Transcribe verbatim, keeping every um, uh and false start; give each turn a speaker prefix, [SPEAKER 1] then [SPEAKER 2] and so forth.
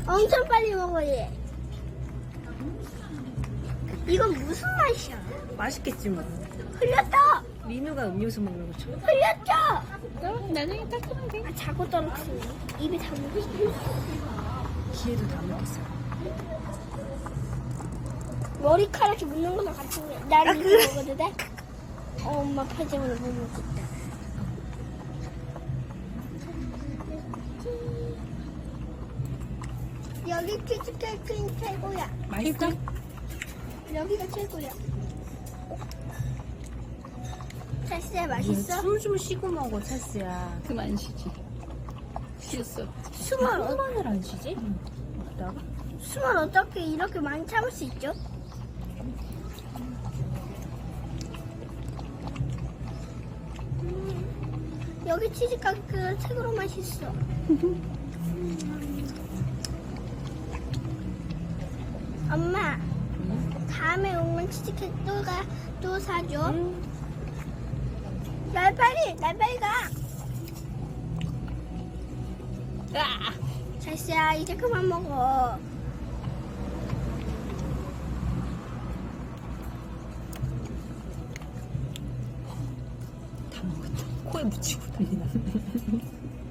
[SPEAKER 1] 엄청 빨리 먹어 얘. 이건 무슨 맛이야?
[SPEAKER 2] 맛있겠지 뭐.
[SPEAKER 1] 흘렸다.
[SPEAKER 2] 민우가 음료수 먹는 것처럼.
[SPEAKER 1] 흘렸죠.
[SPEAKER 3] 그럼 나중에 닦으면 돼.
[SPEAKER 1] 아 자고 떨어뜨리네. 입에 다 먹었어.
[SPEAKER 2] 기회도 다 먹겠어.
[SPEAKER 1] 머리카락이 묻는 거랑 같은 거야. 난
[SPEAKER 2] 아,
[SPEAKER 1] 이거
[SPEAKER 2] 그래?
[SPEAKER 1] 먹어도 돼? 어, 엄마 팔자만을 못 먹겠다. 여기 치즈케이크는 최고야.
[SPEAKER 2] 맛있어?
[SPEAKER 1] 여기가 최고야. 찰스야 맛있어?
[SPEAKER 2] 숨 좀 쉬고 먹어, 찰스야.
[SPEAKER 3] 그만 쉬지. 쉬었어.
[SPEAKER 1] 숨을, 어,
[SPEAKER 2] 숨만을 안 쉬지? 먹다가?
[SPEAKER 1] 숨을 어떻게 이렇게 많이 참을 수 있죠? 음, 여기 치즈케이크가 최고로 맛있어. 엄마, 다음에 오면 치즈케이크 또 가, 또 사줘.
[SPEAKER 2] 응.
[SPEAKER 1] 날 빨리, 날 빨리 가.
[SPEAKER 3] 아!
[SPEAKER 1] 찰스야, 이제 그만 먹어.
[SPEAKER 2] 다 먹었다. 코에 묻히고 난리 났네.